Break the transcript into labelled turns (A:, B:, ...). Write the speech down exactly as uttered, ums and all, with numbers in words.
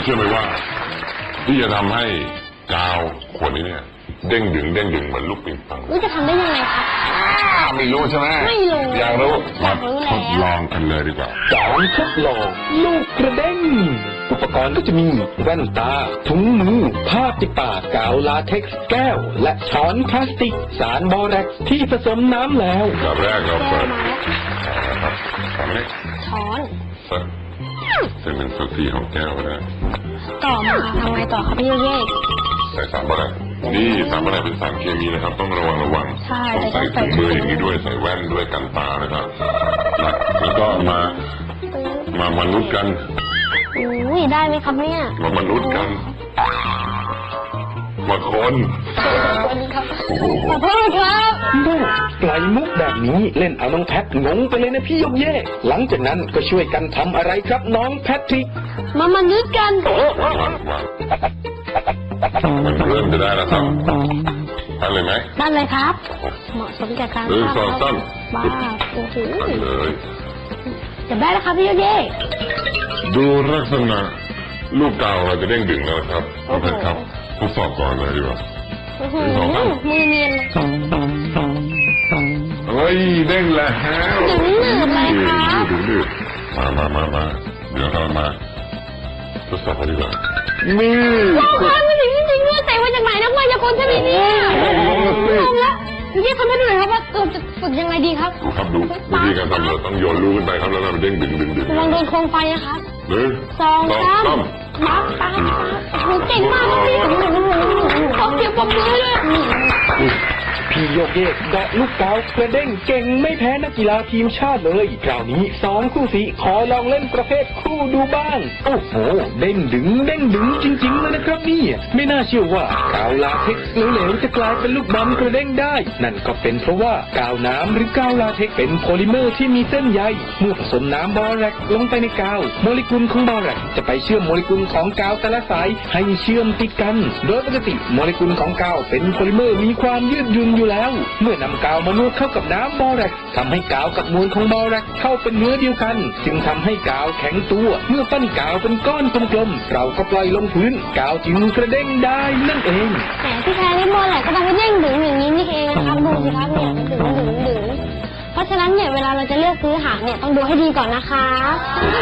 A: เชื่อไหมว่าที่จะทำให้กาวขวดนี้เนี่ยเด้งดึงเด้งดึงเหมือนลูกปิงปอง
B: นี่จะทำได้ยังไงคะ
A: ไม่รู้ใช่ไหม
B: ไม่รู้
A: อยากรู้มาทดลองกันเลยดีกว่า
C: สอนทดลองลูกกระเด้งอุปกรณ์ก็จะมีแว่นตาถุงมือผ้าปิดปากกาวลาเท็กซ์แก้วและช้อนพลาสติกสารบอแร็กซ์ที่ผสมน้ำแล้ว
A: แบบแรกเราเปิดนะครับทำนี้
B: ช้อน
A: เส้นเป็นสักทีของแก้วก็ได้
B: ต่อมาทำไงต่อครับพี่เย่
A: ใส่สารบอแร็กซ์นี่สารบอแร็กซ์เป็นสารเคมีนะครับต้องระวังระวังต้องใส่ถุงมืออย่างนี้ด้วยใส่แว่นด้วยกันตานะครับแล้วก็มามามนุษย์กัน
B: อุ้ยได้ไหมครับเนี่ย
A: มามนุษย์กันมาคน
B: ขอโทษครับ
C: ดูไกลมุกแบบนี้เล่นเอาน้องแพทงงไปเลยนะพี่ยกเย่หลังจากนั้นก็ช่วยกันทำอะไรครับน้องแพทริก
B: มามนุษย์กัน
A: มันเริ่มจะได้แล้วครับทำเลยไหม
B: ได้เลยครับเหมาะสมกับการ
A: เออสอนสั้น
B: บ้าโอ้โห
A: เลย
B: จะได้แล้วครับพี่ยกเย่
A: ดูลักษณะลูกกาวเราจะเด้งดึงแล้วครับโอเคครับทดสอบก่อนเลยดีกว่า
B: มือเนียน
A: เฮ้ยเด้งแล้ว
B: ดึงหนืดเลยครับ
A: ดึงหนืดมามามามาเดี๋ยวเรามาทดสอบกันดีกว่านี่
B: ว้าวไม่ถึงจริงๆด้วยแต่ว่าจากไหนนักมายากลใช่ไหมเนี่ยงงแล้วพี่ทำให้ดูหน่อยครับว่าเราจะฝึกยังไงดีครับ
A: ดูครับดูวิธีการทำเราต้องโยนลูกขึ้นไปครับแล้วเราเด้งดึงดึงดึง
B: ลองโดนโคมไฟนะครับ
A: หนึ่ง
B: สองสามมาตาหนูเก่งมากพี่ขอเสียงปรบมือด้วย
C: พี่โยกเยกเกาะลูกกาวกระเด้งเก่งไม่แพ้นักกีฬาทีมชาติเลยคราวนี้สองคู่สีขอลองเล่นประเภทคู่ดูบ้างโอ้โหเด้งดึงเด้งดึงจริงๆเลยนะครับนี่ไม่น่าเชื่อว่ากาวลาเท็กซ์เหลวๆจะกลายเป็นลูกบอลกระเด้งได้นั่นก็เป็นเพราะว่ากาวน้ำหรือกาวลาเท็กซ์เป็นโพลิเมอร์ที่มีเส้นใยเมื่อผสมน้ำบอแร็กลงไปในกาวโมเลกุลของบอแร็กจะไปเชื่อมโมเลกุลของกาวแต่ละสายให้เชื่อมติดกันโดยปกติโมเลกุลของกาวเป็นโพลิเมอร์มีความยืดหยุ่นอยู่แล้วเมื่อนำกาวมานวดเข้ากับน้ำบอแร็กทำให้กาวกับมวลของบอแร็กเข้าเป็นเนื้อเดียวกันจึงทำให้กาวแข็งตัวเมื่อปั้นกาวเป็นก้อนกลมๆเราก็ปล่อยลงพื้นกาวจึงกระเด้งได้นั่นเอง
B: แต่ที่แท้นี่บอแร็กก็ทำให้เด้งดึงอย่างนี้นี่เองนะครับดูสิครับเนี่ยดึงดึงดึงเพราะฉะนั้นเนี่ยเวลาเราจะเลือกซื้อหางเนี่ยต้องดูให้ดีก่อนนะคะ